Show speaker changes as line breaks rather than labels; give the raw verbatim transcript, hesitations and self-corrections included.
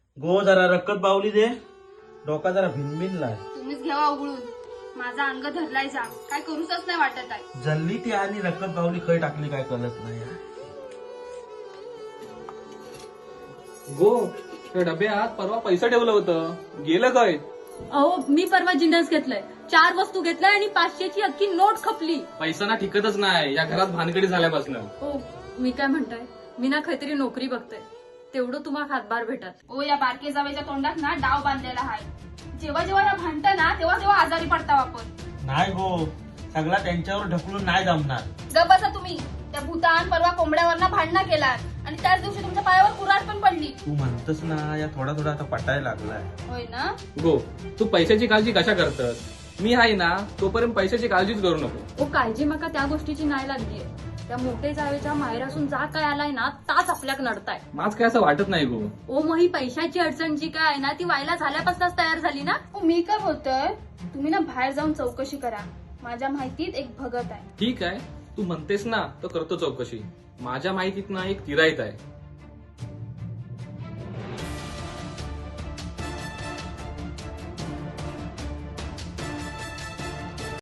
गो जरा रक्कत बावली दे, डोका जरा भिनभिनलाय.
तुम्हीच घ्यावा उघडून. माझा अंग धरलाय जा, काय करूच नाही वाटत आहे.
जल्ली ती आणि रक्कत बावली खय टाकली काय कळत नाही.
गो त्या डब्यात परवा पैसा ठेवलं होतं, गेलं काय?
अहो मी परवा जिन्नस घेतलाय, चार वस्तू घेतलाय आणि पाचशेची अख्खी नोट खपली.
पैसा ना टिकतच नाही या घरात भानगडी झाल्यापासून.
हो मी काय म्हणताय, मी ना काहीतरी नोकरी बघते, तेवढं तुम्हाला हातभार भेटत.
ओ या बारके जावेच्या तोंडात ना डाव बांधलेला आहे. जेव्हा जेव्हा या भांडतं ना तेव्हा तेव्हा आजारी पडता आपण.
नाही गो, सगळा त्यांच्यावर ढकलून नाही जमणार.
गप बसा तुम्ही. त्या भूतान परवा कोंबड्यावर भांडणं केलात आणि त्याच दिवशी तुमच्या पायावर कुऱ्हाड पण पडली.
तू म्हणतस ना, या थोडा थोडा आता पटायला लागलाय.
होय ना.
गो तू पैशाची काळजी कशा करतस? मी आहे ना तोपर्यंत पैशाची काळजीच करू नको.
ओ काळजी मका त्या गोष्टीची नाही लागलीये. त्या मोठे जावेच्या माहेर असून जा काय आलाय ना ताच आपल्याक नडताय.
माझ काय असं वाटत नाही गो.
ओ मग ही पैशाची अडचण जी काय आहे ना ती व्हायला झाल्यापासूनच तयार झाली ना.
ओ मी काय बोलतोय, तुम्ही ना बाहेर जाऊन चौकशी करा. माझ्या माहितीत एक भगत आहे.
ठीक आहे, तू म्हणतेस ना तर करतो चौकशी. माझ्या माहितीत ना एक तिराईत आहे,